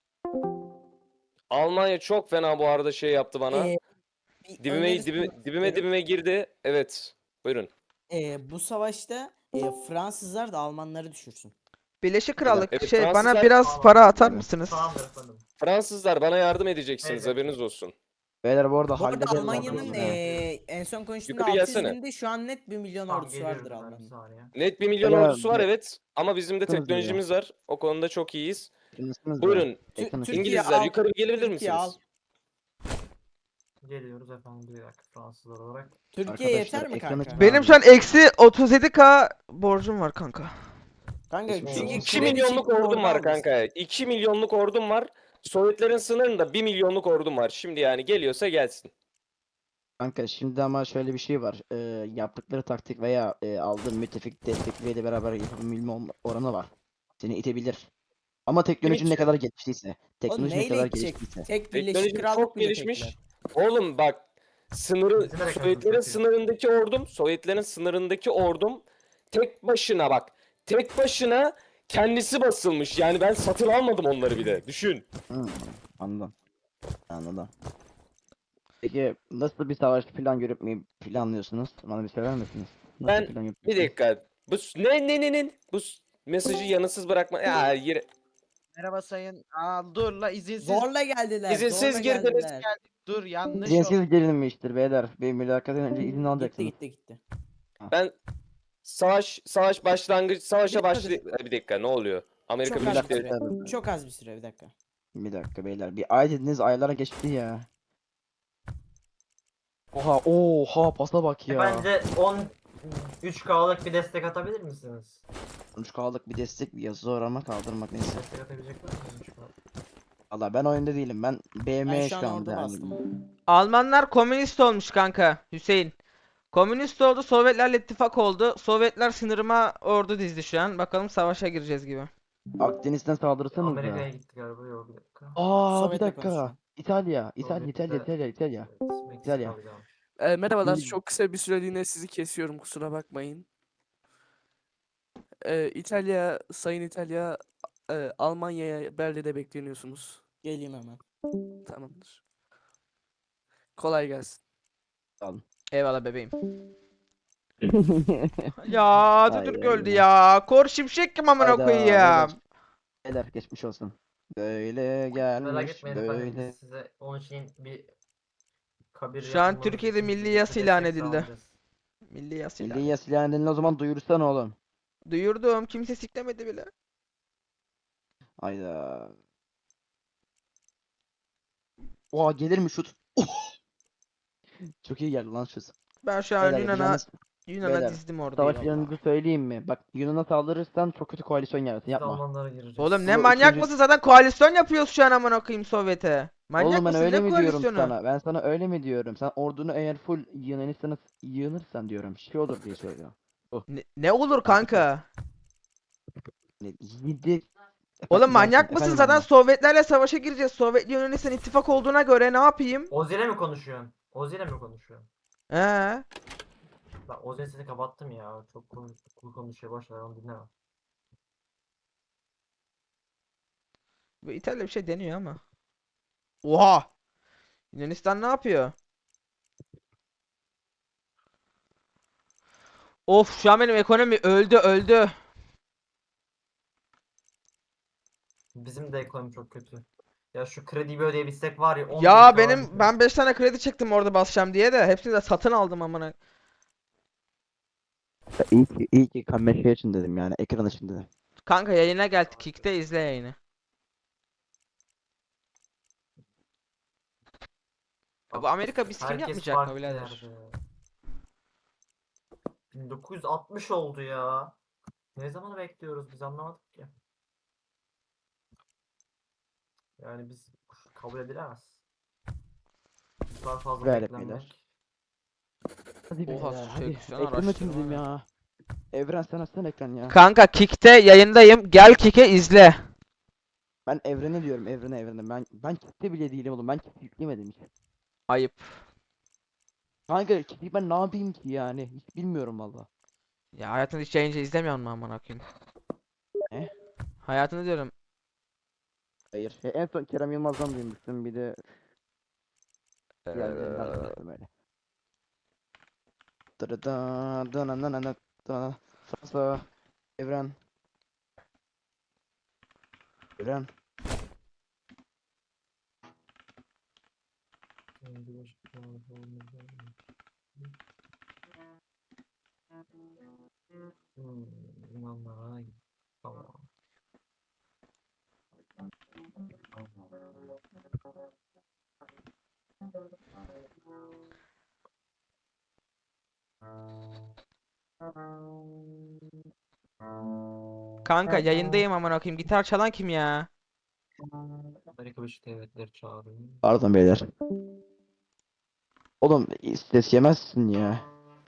Speaker 5: Almanya çok fena bu arada şey yaptı bana.
Speaker 7: Ee, bir
Speaker 5: dibime,
Speaker 7: önerisi
Speaker 5: dibime,
Speaker 7: var.
Speaker 5: dibime dibime girdi. Evet. Buyurun.
Speaker 7: Ee, bu savaşta e, Fransızlar da Almanları düşürsün.
Speaker 2: Birleşik Krallık
Speaker 5: Evet,
Speaker 2: şey bana
Speaker 5: Fransızlar-
Speaker 2: biraz para atar mısınız?
Speaker 6: Tamamdır efendim.
Speaker 5: Fransızlar bana yardım edeceksiniz,
Speaker 6: Evet.
Speaker 5: haberiniz olsun.
Speaker 9: Beyler bu arada
Speaker 7: Bu arada
Speaker 9: hallederiz
Speaker 7: Almanya'nın
Speaker 9: Almanya'yı.
Speaker 7: e, en son konuştuğumda
Speaker 5: Yukarı
Speaker 7: altı yüz
Speaker 5: gelsene.
Speaker 7: bindi. Şu an net bir milyon
Speaker 6: Tamam,
Speaker 7: ordusu
Speaker 6: geliyorum
Speaker 7: vardır
Speaker 6: ben, bir
Speaker 7: Alman'ın.
Speaker 6: saniye.
Speaker 5: Net bir milyon
Speaker 9: Beyler,
Speaker 5: ordusu var
Speaker 9: bir-
Speaker 5: evet. Ama bizim de
Speaker 9: Bakınız buraya.
Speaker 5: teknolojimiz var. O konuda çok iyiyiz.
Speaker 9: Yakınısınız da.
Speaker 5: Buyurun.
Speaker 7: Tü-
Speaker 9: Yakınız.
Speaker 7: Türkiye
Speaker 5: İngilizler
Speaker 7: al,
Speaker 5: yukarı gelebilir
Speaker 7: Türkiye al.
Speaker 5: misiniz?
Speaker 6: Geliyoruz efendim bir dakika Fransızlar olarak.
Speaker 7: Türkiye yeter
Speaker 9: Arkadaşlar,
Speaker 7: mi
Speaker 9: ekranı
Speaker 7: kanka?
Speaker 2: Benim şu an eksi otuz yedi bin borcum var kanka.
Speaker 7: Kanka
Speaker 9: Geçmiş
Speaker 7: çünkü
Speaker 9: olsun.
Speaker 5: iki
Speaker 7: kredi
Speaker 5: milyonluk
Speaker 7: çekip
Speaker 5: ordum
Speaker 7: orada
Speaker 5: var
Speaker 7: almışsın.
Speaker 5: kanka. iki milyonluk ordum var. Sovyetlerin sınırında bir milyonluk ordum var. Şimdi yani geliyorsa gelsin.
Speaker 9: Kanka şimdi ama şöyle bir şey var. Ee, yaptıkları taktik veya e, aldığın müttefik destekleriyle beraber yapabilme olma- oranı var. Seni itebilir. Ama teknolojinin ne
Speaker 5: itiyor?
Speaker 9: kadar geliştiyse.
Speaker 7: Oğlum
Speaker 9: Teknoloji ne
Speaker 7: neyle
Speaker 9: kadar
Speaker 7: gidecek?
Speaker 9: geliştiyse.
Speaker 7: Tek Birleşik
Speaker 5: Teknoloji
Speaker 7: Krallık
Speaker 5: çok
Speaker 7: bile
Speaker 5: gelişmiş.
Speaker 7: tekler.
Speaker 5: Oğlum bak sınırı
Speaker 6: Bizim de
Speaker 5: Sovyetlerin
Speaker 6: ekonomimiz kötü.
Speaker 5: sınırındaki ordum, Sovyetlerin sınırındaki ordum tek başına bak. Tek başına kendisi basılmış. Yani ben satın almadım onları bile. Düşün.
Speaker 9: Hı, anladım. Anladım. Peki nasıl bir savaş plan görüp mi planlıyorsunuz? Bana bir söyler misiniz? Nasıl
Speaker 5: Ben-
Speaker 9: plan
Speaker 5: Bir
Speaker 9: yapıyorsunuz?
Speaker 5: dakika. Bu s- ne ne ne ne? Bu s- mesajı yanıtsız bırakma. Ya yere...
Speaker 11: Merhaba sayın. Aa, dur la izinsiz.
Speaker 7: Zorla geldiler.
Speaker 5: İzinsiz
Speaker 7: zorla
Speaker 5: girdiniz.
Speaker 7: geldiler.
Speaker 11: Dur yanlış oldu.
Speaker 9: İzinsiz gelinmiştir beyler. Bir mülakattan önce izin
Speaker 7: Gitti
Speaker 9: alacaksınız.
Speaker 7: gitti gitti.
Speaker 5: Ben savaş savaş başlangıç savaşa
Speaker 7: Bir
Speaker 5: başlı
Speaker 7: dakika.
Speaker 5: bir dakika ne oluyor? Amerika
Speaker 7: Çok az
Speaker 5: Birleşik
Speaker 7: bir
Speaker 5: Devletleri.
Speaker 7: süre. Çok az bir süre bir dakika.
Speaker 9: Bir dakika beyler. Bir ay dediniz aylara geçti ya. Oha oha pasa bak
Speaker 6: E,
Speaker 9: ya.
Speaker 6: Bence on üç K'lık bir destek atabilir misiniz?
Speaker 9: üç K'lık bir destek bir yazı zorlama kaldırmak neyse.
Speaker 6: Destek atabilecek var mı? üç K?
Speaker 9: Valla ben oyunda değilim. Ben
Speaker 7: Ben
Speaker 9: B M
Speaker 7: şu an
Speaker 9: şu
Speaker 7: orada
Speaker 9: anda yani.
Speaker 7: bastım.
Speaker 2: Almanlar komünist olmuş kanka Hüseyin. Komünist oldu, Sovyetlerle ittifak oldu. Sovyetler sınırıma ordu dizdi şu an. Bakalım savaşa gireceğiz gibi.
Speaker 9: Akdeniz'den saldırırsanız da.
Speaker 6: Amerika'ya gitti galiba yok bir dakika.
Speaker 9: Aa bir
Speaker 7: Sovyet'le
Speaker 9: dakika.
Speaker 7: konuşuyor.
Speaker 9: İtalya. İtalya,
Speaker 6: Sovyet'te-
Speaker 9: İtalya, İtalya, İtalya.
Speaker 6: Evet, Meksika
Speaker 9: İtalya.
Speaker 6: bir daha.
Speaker 3: Ee, merhabalar.
Speaker 9: İyi.
Speaker 3: Çok kısa bir süreliğine sizi kesiyorum. Kusura bakmayın. Ee, İtalya, Sayın İtalya, e, Almanya'ya Berlin'de bekleniyorsunuz.
Speaker 7: Geleyim hemen.
Speaker 3: Tamamdır. Kolay gelsin.
Speaker 2: Eyvallah bebeğim. Ya
Speaker 9: Ay,
Speaker 2: Atatürk
Speaker 9: ay,
Speaker 2: öldü
Speaker 9: ay.
Speaker 2: ya. Kor şimşek kim amına
Speaker 9: Hayda,
Speaker 2: koyayım.
Speaker 9: beyler. Beyler geçmiş olsun. Böyle
Speaker 6: Merak
Speaker 9: gelmiş
Speaker 6: etmeyin efendim
Speaker 9: böyle.
Speaker 6: biz size onun için bir kabir
Speaker 2: Şu an
Speaker 6: yapılmanız
Speaker 2: Türkiye'de
Speaker 6: için
Speaker 2: milli
Speaker 6: size
Speaker 2: yas
Speaker 6: destek
Speaker 2: ilan edildi.
Speaker 6: sağlayacağız.
Speaker 2: Milli yas ilan.
Speaker 9: Milli yas ilan edildi o zaman duyursana oğlum.
Speaker 2: Duyurdum. Kimse siklemedi bile.
Speaker 9: Hayda. Oha gelir mi şut? Oh! Çok iyi geldi lan şut.
Speaker 2: Ben şu an
Speaker 9: Beyler
Speaker 2: Yunan'a
Speaker 9: yapacağınız
Speaker 2: Yunan'a
Speaker 9: beyler,
Speaker 2: dizdim orada.
Speaker 9: savaş planınızı söyleyeyim mi? Bak Yunan'a saldırırsan çok kötü koalisyon yararsın
Speaker 6: Biz
Speaker 9: yapma.
Speaker 6: Almanlara gireceğiz.
Speaker 2: Oğlum ne
Speaker 9: Bu
Speaker 2: manyak
Speaker 9: üçüncü-
Speaker 2: mısın? Zaten koalisyon yapıyoruz şu an amına koyayım Sovyet'e. Manyak
Speaker 9: Oğlum ben
Speaker 2: mısın?
Speaker 9: öyle
Speaker 2: Ne
Speaker 9: mi diyorum
Speaker 2: koalisyonu?
Speaker 9: sana? Ben sana öyle mi diyorum? Sen ordunu eğer full Yunanistan'a yığınırsan diyorum. Şey olur diye söylüyorum.
Speaker 2: Ne, ne olur kanka?
Speaker 9: Ne- Yedi...
Speaker 2: Oğlum manyak
Speaker 9: Efendim,
Speaker 2: mısın?
Speaker 9: efendim
Speaker 2: Zaten
Speaker 9: anne.
Speaker 2: Sovyetlerle savaşa gireceğiz. Sovyet Yunanistan ittifak olduğuna göre ne yapayım?
Speaker 6: Ozil'e mi konuşuyorsun? Ozil'e mi konuşuyorsun?
Speaker 2: He.
Speaker 6: Ben Ozil'in sesini kapattım ya. Çok konu, konu konuşuyor başlar onu dinlemem.
Speaker 2: Bu İtalya bir şey deniyor ama. Oha! Yunanistan ne yapıyor? Of şu an benim ekonomi öldü öldü.
Speaker 6: Bizim de ekonomi çok kötü. Ya şu krediyi bir ödeyebilsek var ya. on bin
Speaker 2: Ya
Speaker 6: K
Speaker 2: benim
Speaker 6: bizim.
Speaker 2: ben beş tane kredi çektim orada basacağım diye de hepsini de satın aldım amına.
Speaker 9: İyi ki, iyi ki kamera şey için dedim yani ekran için dedim.
Speaker 2: Kanka yayına gel Kick'te izle yayını. Ya bu Amerika biz kim
Speaker 6: Herkes
Speaker 2: yapmayacak mı
Speaker 6: farklı
Speaker 2: birader?
Speaker 6: yerde. bin dokuz yüz altmış oldu ya. Ne zamanı bekliyoruz biz anlamadık ki. Yani biz kabul edilemez. Bu kadar fazla
Speaker 9: Gayret
Speaker 6: beklenmek.
Speaker 9: beyler. Hadi
Speaker 2: Oha,
Speaker 9: beyler hadi.
Speaker 2: seksiyon
Speaker 9: Ekran
Speaker 2: araştırma
Speaker 9: açın
Speaker 2: ne?
Speaker 9: ya. Evren sen açsana ekran ya.
Speaker 2: Kanka Kick'te yayındayım. Gel Kick'e izle.
Speaker 9: Ben evrene diyorum evrene evrene. Ben ben kitle bile değilim oğlum. Ben kitle yüklemedim hiç.
Speaker 2: Ayıp.
Speaker 9: Kanka kitleyi ben ne yapayım ki yani? Hiç bilmiyorum valla.
Speaker 2: Ya hayatında hiç yayıncı izlemiyor musun amına koyayım?
Speaker 9: Ne?
Speaker 2: Hayatını diyorum.
Speaker 9: Hayır. E, en son Kerem Yılmaz'dan duymuştum bir de
Speaker 2: Ee,
Speaker 9: diğerlerinden duymuştum öyle. Dırıdan, dana nana nana, dana. Fransa, Evren. Evren.
Speaker 6: Hmm, yunanlara tamam.
Speaker 2: Kanka yayındayım amına koyayım. Gitar çalan kim ya?
Speaker 6: Amerika Birleşik Devletleri çağırıyor.
Speaker 9: Pardon beyler. Oğlum ses yemezsin ya.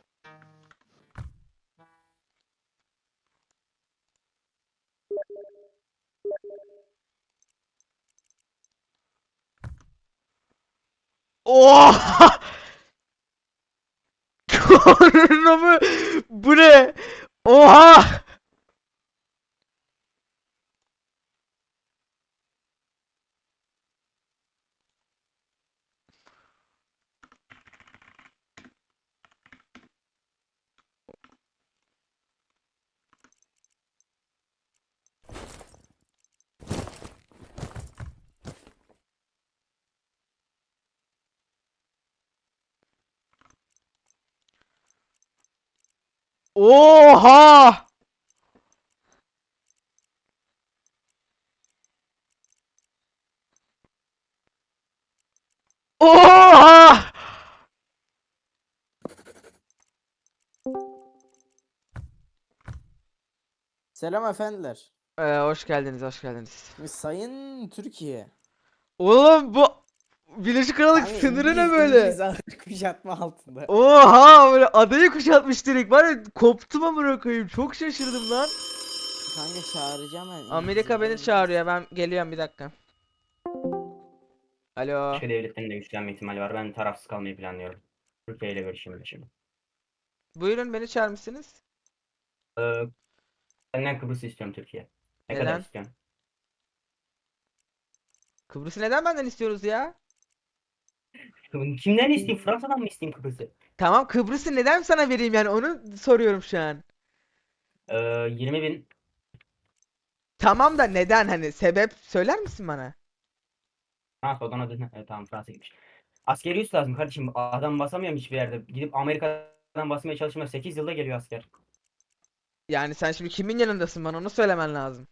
Speaker 2: Oha! Korna Bu ne? Oha! Oha! Oha!
Speaker 7: Selam efendiler.
Speaker 2: Ee, hoş geldiniz, hoş geldiniz.
Speaker 7: Şimdi Sayın Türkiye.
Speaker 2: Oğlum bu Birleşik Krallık
Speaker 7: Hani
Speaker 2: sınırı ne
Speaker 7: İngiliz,
Speaker 2: böyle?
Speaker 7: İngiliz ağır kuşatma altında.
Speaker 2: Oha! Böyle adayı kuşatmış direkt. Var ya koptum amına koyayım. Çok şaşırdım lan.
Speaker 7: Kanka çağıracağım ben.
Speaker 2: Amerika beni
Speaker 7: İngilizleri.
Speaker 2: çağırıyor. Ben geliyorum bir dakika. Alo.
Speaker 4: Başka devletlerin de güçlenme ihtimali var. Ben tarafsız kalmayı planlıyorum. Türkiye ile görüşeyim şimdi.
Speaker 2: Buyurun beni çağırmışsınız.
Speaker 4: Ee, Senden Kıbrıs istiyorum Türkiye. Ne kadar
Speaker 2: Neden?
Speaker 4: istiyorsun?
Speaker 2: Kıbrıs'ı neden benden istiyoruz ya?
Speaker 4: Kimden isteyeyim? Fransa'dan mı isteyeyim Kıbrıs'ı?
Speaker 2: Tamam Kıbrıs'ı neden sana vereyim yani onu soruyorum şu an.
Speaker 4: Ee, yirmi bin.
Speaker 2: Tamam da neden hani sebep söyler misin bana?
Speaker 4: Fransa odan adı. Evet, tamam Fransa gitmiş. Askeri üs lazım kardeşim. Adam basamıyorum hiçbir yerde. Gidip Amerika'dan basmaya çalışmaya sekiz yılda geliyor asker.
Speaker 2: Yani sen şimdi kimin yanındasın bana onu söylemen lazım.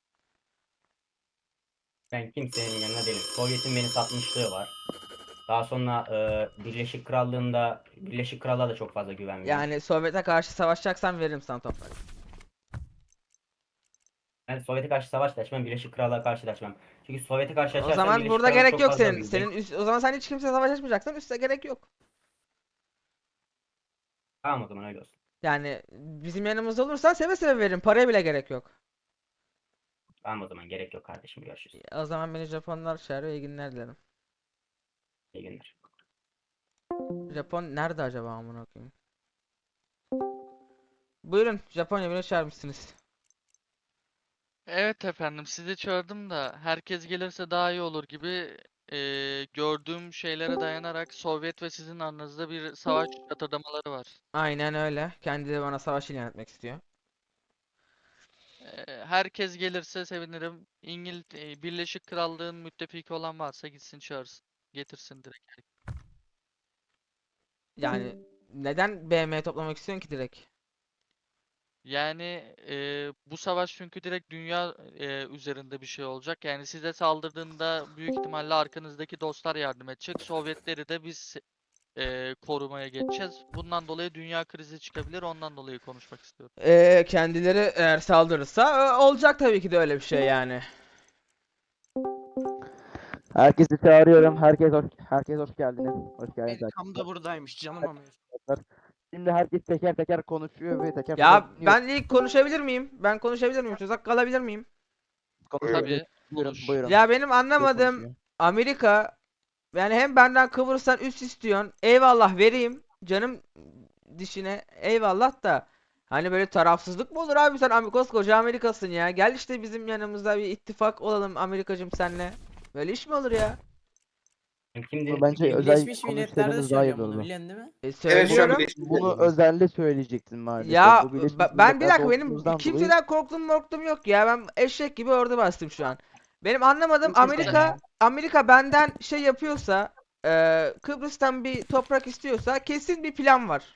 Speaker 4: Ben kimsenin yanına değilim. Sovyet'in beni satmışlığı var. Daha sonra e, Birleşik Krallığı'nda Birleşik Krallığa da çok fazla güvenmiyorum.
Speaker 2: Yani Sovyet'e karşı savaşacaksan veririm sana toprak.
Speaker 4: Ben Sovyet'e karşı savaş da açmam, Birleşik Krallığa karşı da açmam. Çünkü Sovyet'e karşı
Speaker 2: O
Speaker 4: açarsam
Speaker 2: zaman
Speaker 4: Birleşik
Speaker 2: burada
Speaker 4: Krallık
Speaker 2: gerek
Speaker 4: çok
Speaker 2: yok
Speaker 4: fazla
Speaker 2: senin.
Speaker 4: büyüyecek.
Speaker 2: Senin üst, o zaman sen hiç kimse savaş açmayacaksan üste gerek yok.
Speaker 4: Tamam o zaman öyle olsun.
Speaker 2: Yani bizim yanımızda olursan seve seve veririm. Paraya bile gerek yok.
Speaker 4: Tamam o zaman gerek yok kardeşim, görüşürüz.
Speaker 2: O zaman beni Japonlar çağırıyor. İyi günler dilerim.
Speaker 4: İyi günler.
Speaker 2: Japon nerede acaba amına koyayım? Buyurun Japonya beni çağırmışsınız.
Speaker 8: Evet efendim, sizi çağırdım da herkes gelirse daha iyi olur gibi eee, gördüğüm şeylere dayanarak Sovyet ve sizin aranızda bir savaş yatırdamaları var.
Speaker 2: Aynen öyle. Kendileri bana savaş ilan etmek istiyor.
Speaker 8: Eee, herkes gelirse sevinirim. İngil eee, Birleşik Krallığın müttefiki olan varsa gitsin çağırsın. Getirsin direkt.
Speaker 2: Yani neden B M toplamak istiyorsun ki direkt?
Speaker 8: Yani eee, bu savaş çünkü direkt dünya eee, üzerinde bir şey olacak. Yani size saldırdığında büyük ihtimalle arkanızdaki dostlar yardım edecek. Sovyetleri de biz eee, korumaya geçeceğiz. Bundan dolayı dünya krizi çıkabilir. Ondan dolayı konuşmak istiyorum.
Speaker 2: Ee, kendileri eğer saldırırsa e, olacak tabii ki de öyle bir şey yani.
Speaker 9: Herkesi çağırıyorum. Herkes hoş, herkes hoş geldiniz. Hoş geldiniz.
Speaker 11: Benim tam da buradaymış canım ama.
Speaker 9: arkadaşlar. Şimdi herkes teker teker konuşuyor ve teker
Speaker 2: Ya
Speaker 9: teker dinliyor.
Speaker 2: ben ilk konuşabilir miyim? Ben konuşabilir miyim? Söz hakkı alabilir miyim?
Speaker 9: Konuşuyor.
Speaker 8: Tabii.
Speaker 9: Buyurun,
Speaker 8: konuş.
Speaker 9: buyurun.
Speaker 2: Ya benim
Speaker 9: Herkes
Speaker 2: anlamadığım
Speaker 9: konuşuyor.
Speaker 2: Amerika, yani hem benden Kıbrıs'tan üst istiyorsun. Eyvallah vereyim. Canım dişine eyvallah da. Hani böyle tarafsızlık mı olur abi, sen Am- koskoca Amerika'sın ya. Gel işte bizim yanımızda bir ittifak olalım Amerikacım senle. Böyle iş mi olur ya?
Speaker 4: Kimdir?
Speaker 9: Bunu bence özel
Speaker 7: Birleşmiş Milletler'de
Speaker 9: konuşsaydınız daha iyi
Speaker 7: söylüyorum bunu
Speaker 9: olurdu.
Speaker 7: biliyorsun değil mi?
Speaker 2: E
Speaker 1: Evet şu an
Speaker 2: söylüyorum.
Speaker 1: Birleşmiş
Speaker 9: Bunu
Speaker 1: Milletler'deyiz.
Speaker 9: özelde söyleyecektin maalesef.
Speaker 2: Ya
Speaker 9: Bu Birleşmiş
Speaker 2: ba- ben bir
Speaker 9: Milletler'de
Speaker 2: dakika, benim
Speaker 9: olduğunuzdan dolayı
Speaker 2: kimseden korktum korktum yok ya. Ben eşek gibi orada bastım şu an. Benim anlamadığım,
Speaker 1: Kimse
Speaker 2: Amerika Amerika benden şey yapıyorsa, e, Kıbrıs'tan bir toprak istiyorsa kesin bir plan var.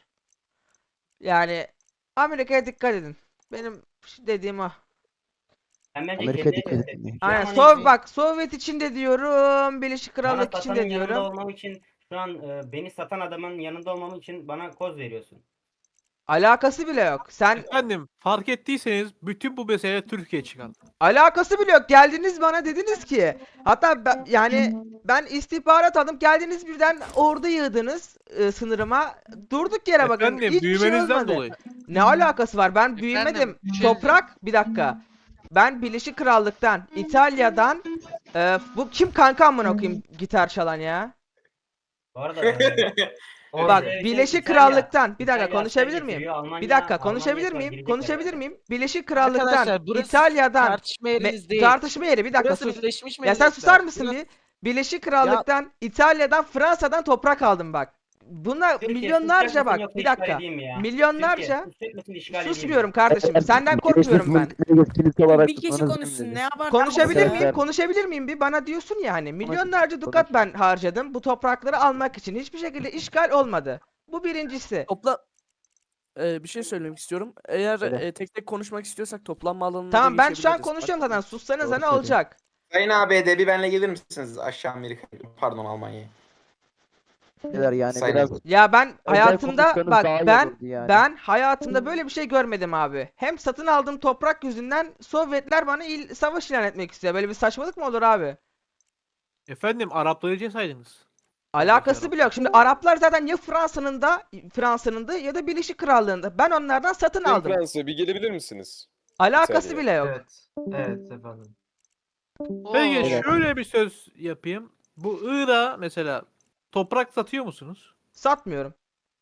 Speaker 2: Yani Amerika'ya dikkat edin. Benim dediğim o.
Speaker 4: Ben bence
Speaker 9: Amerika
Speaker 4: kendine
Speaker 9: dikkat
Speaker 4: destek
Speaker 9: edin.
Speaker 4: çıkıyor
Speaker 2: Aynen.
Speaker 4: ama
Speaker 2: Sov
Speaker 4: neyse.
Speaker 2: bak Sovyet için de diyorum, Birleşik
Speaker 4: Bana
Speaker 2: Krallık için
Speaker 4: satanın
Speaker 2: de
Speaker 4: yanında
Speaker 2: diyorum.
Speaker 4: olmam için şu an e, beni satan adamın yanında olmam için bana koz veriyorsun.
Speaker 2: Alakası bile yok. Sen
Speaker 10: Efendim fark ettiyseniz bütün bu mesele Türkiye çıkar.
Speaker 2: alakası bile yok. Geldiniz bana dediniz ki, hatta ben- yani ben istihbarat aldım. Geldiniz birden ordu yığdınız e, sınırıma. Durduk yere bakın.
Speaker 10: Efendim
Speaker 2: Hiçbir şey
Speaker 10: büyümenizden
Speaker 2: olmadı.
Speaker 10: dolayı.
Speaker 2: Ne alakası var? Ben büyümedim.
Speaker 8: bir şey
Speaker 2: Toprak, bir dakika. Ben Birleşik Krallık'tan, İtalya'dan, e, bu kim kanka amına koyayım gitar çalan ya?
Speaker 4: Bu arada e,
Speaker 2: Bak
Speaker 4: Orada
Speaker 2: Birleşik
Speaker 4: İtalya-
Speaker 2: Krallık'tan bir dakika
Speaker 4: İtalya asker
Speaker 2: konuşabilir miyim?
Speaker 4: getiriyor, Almanya-
Speaker 2: Bir dakika
Speaker 4: Almanya
Speaker 2: konuşabilir
Speaker 4: şu an
Speaker 2: miyim?
Speaker 4: girecekler
Speaker 2: Konuşabilir
Speaker 4: herhalde.
Speaker 2: miyim? Birleşik Krallık'tan,
Speaker 11: Arkadaşlar burası
Speaker 2: İtalya'dan
Speaker 11: tartışma
Speaker 2: me-
Speaker 11: yeriniz değil.
Speaker 2: tartışma yeri, bir dakika
Speaker 11: Burası
Speaker 2: sus.
Speaker 11: Birleşmiş
Speaker 2: Ya sen
Speaker 11: Milletler.
Speaker 2: susar mısın
Speaker 11: Burası-
Speaker 2: bir? Birleşik Krallık'tan, İtalya'dan, Fransa'dan toprak aldım bak. Bunlar
Speaker 4: Türkiye,
Speaker 2: milyonlarca
Speaker 4: susacak mısın
Speaker 2: bak,
Speaker 4: yoksa
Speaker 2: bir
Speaker 4: işgal
Speaker 2: dakika.
Speaker 4: edeyim mi ya?
Speaker 2: Milyonlarca
Speaker 4: Türkiye, susacak mısın, işgal edeyim mi?
Speaker 2: susmuyorum kardeşim. Senden
Speaker 9: Birleşmiş
Speaker 2: korkmuyorum ben.
Speaker 9: Milletler'e yetkilisi olarak
Speaker 7: Bir kişi
Speaker 9: tutmanız
Speaker 7: konuşsun
Speaker 9: mümkün
Speaker 7: ne
Speaker 9: değil.
Speaker 7: yapar?
Speaker 2: Konuşabilir
Speaker 9: Arkadaşlar-
Speaker 2: miyim? Konuşabilir miyim bir? Bana diyorsun yani. Milyonlarca dukat
Speaker 9: konuş.
Speaker 2: ben harcadım bu toprakları almak için. Hiçbir şekilde işgal olmadı. Bu birincisi.
Speaker 3: Topla Ee, bir şey söylemek istiyorum. Eğer
Speaker 9: Söyle.
Speaker 3: e, tek tek konuşmak istiyorsak toplanma alanına da
Speaker 2: Tamam ben şu an
Speaker 3: geçebiliriz.
Speaker 2: konuşuyorum
Speaker 3: Fark
Speaker 2: zaten.
Speaker 3: etmez.
Speaker 2: Sussanız
Speaker 9: Doğru
Speaker 2: ne
Speaker 9: söylüyor.
Speaker 2: olacak?
Speaker 1: Sayın A B D bir benle gelir misiniz aşağı Amerika, pardon Almanya'ya?
Speaker 9: Neler yani
Speaker 1: Sayın
Speaker 9: biraz
Speaker 2: Ya ben
Speaker 9: özel
Speaker 2: hayatımda
Speaker 9: konuşsanız
Speaker 2: bak
Speaker 9: daha iyi
Speaker 2: ben
Speaker 9: olurdu yani.
Speaker 2: ben hayatımda böyle bir şey görmedim abi. Hem satın aldığım toprak yüzünden Sovyetler bana il, savaş ilan etmek istiyor. Böyle bir saçmalık mı olur abi?
Speaker 10: Efendim Arapları cesaydınız.
Speaker 2: Alakası bile yok. Şimdi Araplar zaten ya Fransa'nın da Fransa'nın da ya da Birleşik Krallığı'nda. Ben onlardan satın
Speaker 5: Sayın
Speaker 2: aldım.
Speaker 5: Fransa bir gelebilir misiniz?
Speaker 2: Alakası
Speaker 5: İtalya'ya.
Speaker 2: bile yok.
Speaker 6: Evet. Evet efendim.
Speaker 10: Peki
Speaker 2: Oo.
Speaker 10: şöyle bir söz yapayım. Bu Irak'a mesela toprak satıyor musunuz?
Speaker 2: Satmıyorum.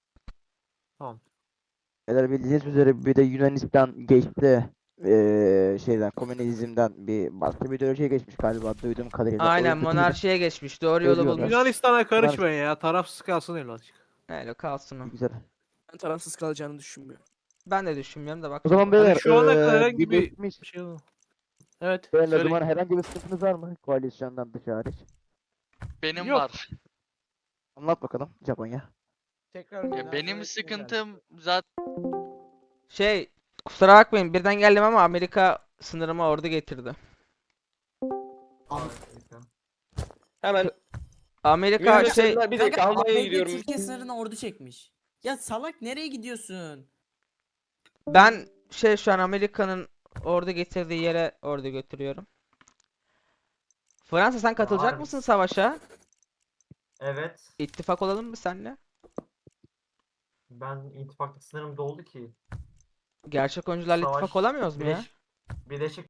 Speaker 9: Neler bildiğiniz üzere bir de Yunanistan geçti eee şeyden komünizmden bir başka bir ideolojiye geçmiş galiba duyduğum kadarıyla. O
Speaker 2: Aynen
Speaker 9: yüzden-
Speaker 2: monarşiye geçmiş. Doğru yolu
Speaker 9: Ölüyorlar.
Speaker 2: bulmuş.
Speaker 10: Yunanistan'a karışmayın ya. Tarafsız kalsın evlatçık.
Speaker 2: Öyle kalsın o.
Speaker 9: Güzel.
Speaker 3: Ben tarafsız kalacağını düşünmüyorum.
Speaker 2: Ben de düşünmüyorum da bak.
Speaker 9: O zaman beyler
Speaker 10: şu ana kadar
Speaker 9: eee,
Speaker 10: herhangi bir-
Speaker 9: Birleşmiş
Speaker 10: Bir şey oldu. Evet.
Speaker 9: Beyler, o
Speaker 10: Söyle.
Speaker 9: zaman herhangi bir sıkıntınız var mı koalisyondan dışı hariç?
Speaker 8: Benim
Speaker 10: Yok.
Speaker 8: var.
Speaker 9: Anlat bakalım Japonya.
Speaker 11: Tekrar
Speaker 8: Ya
Speaker 11: münazara
Speaker 8: benim
Speaker 11: etmeye
Speaker 8: sıkıntım zaten
Speaker 2: Şey, kusura bakmayın birden geldim ama Amerika sınırıma ordu getirdi.
Speaker 6: Harika.
Speaker 5: Hemen
Speaker 2: Amerika
Speaker 5: Yunanistan-
Speaker 2: şey
Speaker 5: bir dakika
Speaker 7: Kanka,
Speaker 5: Almanya'ya
Speaker 7: A B D
Speaker 5: gidiyorum.
Speaker 7: Türkiye sınırına ordu çekmiş. Ya salak nereye gidiyorsun?
Speaker 2: ben şey şu an Amerika'nın ordu getirdiği yere ordu götürüyorum. Fransa sen katılacak
Speaker 6: Var.
Speaker 2: mısın savaşa?
Speaker 6: Evet.
Speaker 2: İttifak olalım mı seninle?
Speaker 6: Ben ittifaklık sınırım doldu ki.
Speaker 2: Gerçek oyuncularla
Speaker 6: Savaş,
Speaker 2: ittifak olamıyoruz mu ya?
Speaker 6: Birleş- Birleşik